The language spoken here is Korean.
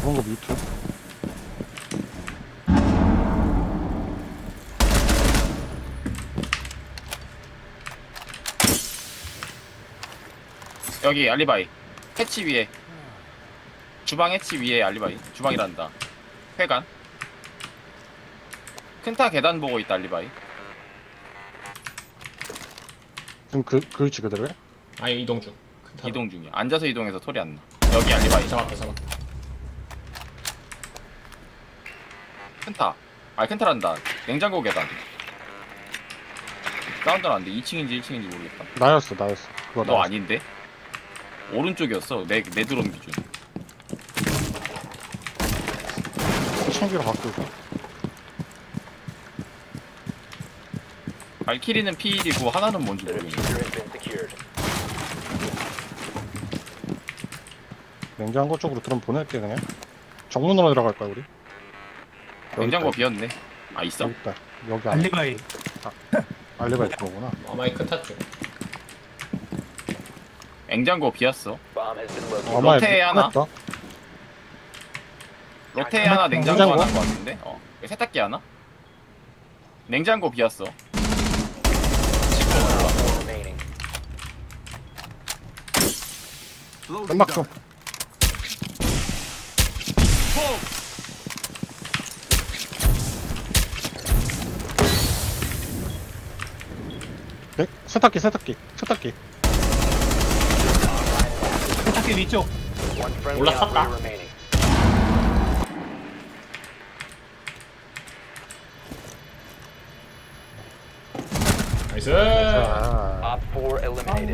그런 거 뮤트. 여기 알리바이 해치 위에 주방 해치 위에 알리바이 주방이란다 회관 큰타 계단 보고 있다 알리바이 지금 그 위치 그대로야? 아니 이동 중. 큰 타로. 이동 중이야 앉아서 이동해서 소리 안나 여기 알리바이 잡았다. 큰타 아니 큰타란다 냉장고 계단 사운드 나는데 2층인지 1층인지 모르겠다 나였어. 그거 너 나였어. 아닌데? 오른쪽이었어 내 드론 기준 챙기러 바꾸고. 발키리는 P1이고 하나는 뭔지 The 모르겠네 diffuser has been secured. 냉장고 쪽으로 드럼 보낼게 그냥. 정문으로 들어갈 거야 우리. 여기 냉장고 있다. 비었네 아 있어? 여기 있다. 여기 안에 알리바이. 알리바이 거구나. 아마이 큰 타 쪽. 냉장고 비었어 Bomb has been located. 아마 로테에 하나? 했다. 로테에 하나 냉장고 냉장고? 하나인 것 같은데? 세탁기 하나? 냉장고 비었어 Four remaining. 연막 좀. 네? 세탁기. Selectaky 위쪽. One friendly 올라탔다. operator remaining. 나이스. 자. Op 4 eliminated.